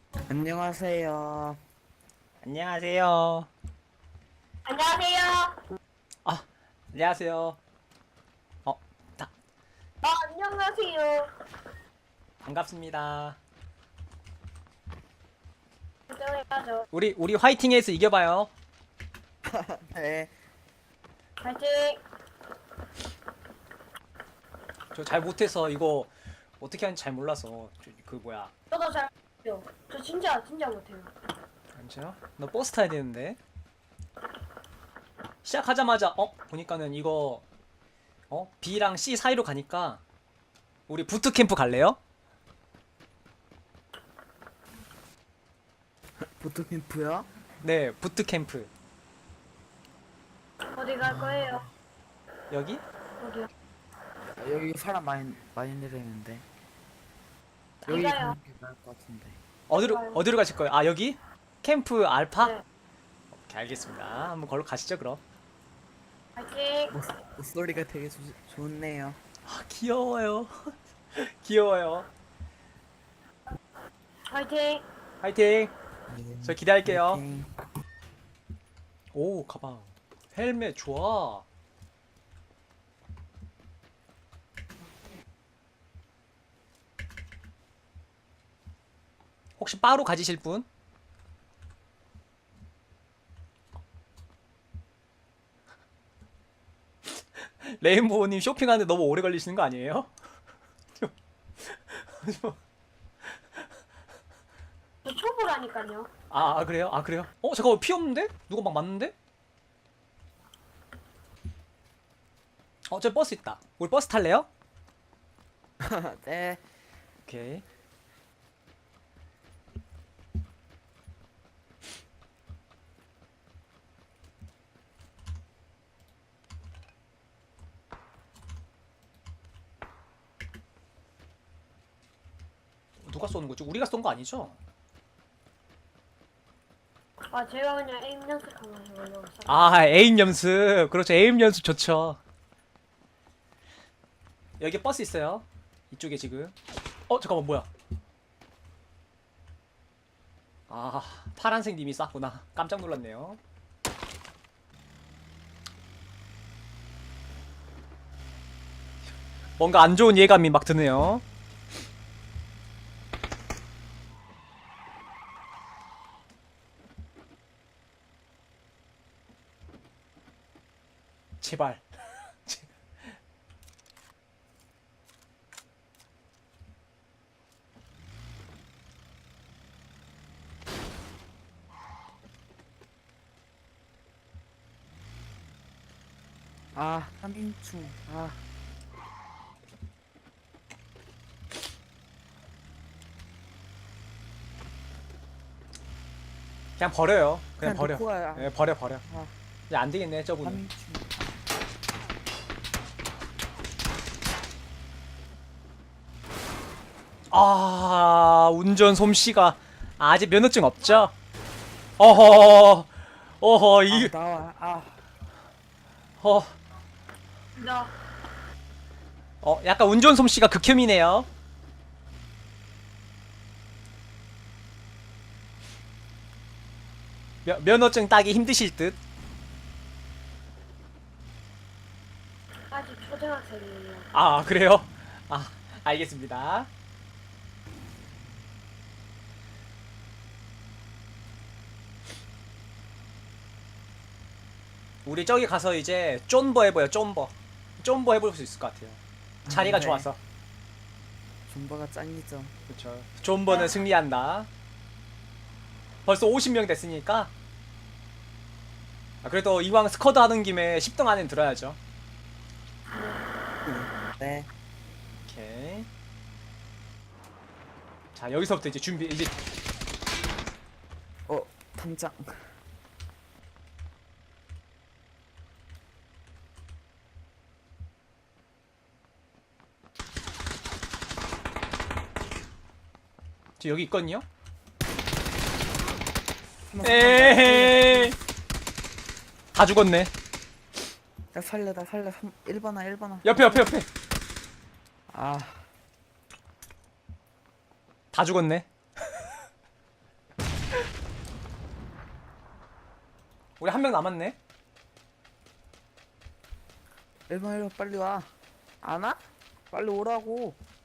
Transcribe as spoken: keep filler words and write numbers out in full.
안녕하세요. 안녕하세요. 안녕하세요. 아, 안녕하세요. 어, 다, 어, 안녕하세요. 반갑습니다. 안녕하세요. 우리, 우리 화이팅해서 이겨봐요. 네. 파이팅. 저 잘 못해서 이거 어떻게 하는지 잘 몰라서. 저, 그 뭐야. 저도 잘 못해요. 저 진짜 진짜 못해요. 잠시만. 너 버스 타야 되는데. 시작하자마자, 어? 보니까는 이거, 어? B랑 C 사이로 가니까, 우리 부트캠프 갈래요? 보트캠프요? 네, 부트캠프. 어디 갈 거예요? 여기? 어디요? 아, 여기 사람 많이 많이 내리는데. 여기 어디가요? 가는 게 나을 것 같은데. 어디로, 가요. 어디로 가실 거예요? 아, 여기? 캠프 알파? 네. 오케이, 알겠습니다. 한번 걸로 가시죠, 그럼. 파이팅. 목, 목소리가 되게 좋, 좋네요. 아, 귀여워요. 귀여워요. 파이팅. 화이팅! 네. 저 기대할게요. 파이팅. 오, 가방. 헬멧 좋아. 혹시 바로 가지실 분? 레인보우님 쇼핑하는데 너무 오래 걸리시는 거 아니에요? 저 초보라니까요. 아, 아, 그래요? 아, 그래요? 어, 잠깐만, 피 없는데? 누가 막 맞는데? 어, 저 버스 있다. 우리 버스 탈래요? 네. 오케이. 누가 쏘는 거지? 우리가 쏜 거 아니죠? 아 제가 그냥 에임 연습하면서 해보려고 했어요. 아, 에임 연습. 그렇죠. 에임 연습 좋죠. 여기 버스 있어요. 이쪽에 지금. 어, 잠깐만, 뭐야? 아, 파란색 님이 쌌구나. 깜짝 놀랐네요. 뭔가 안 좋은 예감이 막 드네요. 제발. 아, 삼 인충. 아, 그냥 버려요. 그냥 그냥 버려. 놓고 가요. 예, 버려, 버려. 아, 이제 안 되겠네, 저분은. 삼 인충. 아, 운전 솜씨가 아직 면허증 없죠? 어허, 어허, 아, 이, 나와. 아, 어, 나 어, 약간 운전 솜씨가 극혐이네요. 면, 면허증 따기 힘드실 듯. 아직 초등학생이에요. 아, 그래요? 아, 알겠습니다. 우리 저기 가서 이제 쫀버 해봐요, 쫀버. 쫀버 해볼 수 있을 것 같아요. 자리가 네. 좋아서. 존버가 짱이죠. 그쵸. 쫀버는 승리한다. 벌써 오십 명 됐으니까. 아, 그래도 이왕 스쿼드 하는 김에 십 등 안에 들어야죠. 네. 오케이. 자, 여기서부터 이제 준비, 이제 어, 당장. 저 여기 있거든요? 한번 에헤이. 다 죽었네. 나 살려, 나 살려. 일 번아, 일 번아. 옆에, 옆에, 옆에. 아, 다 죽었네. 우리 한 명 남았네. 일 번 일 번 빨리 와. 안 와? 빨리 오라고.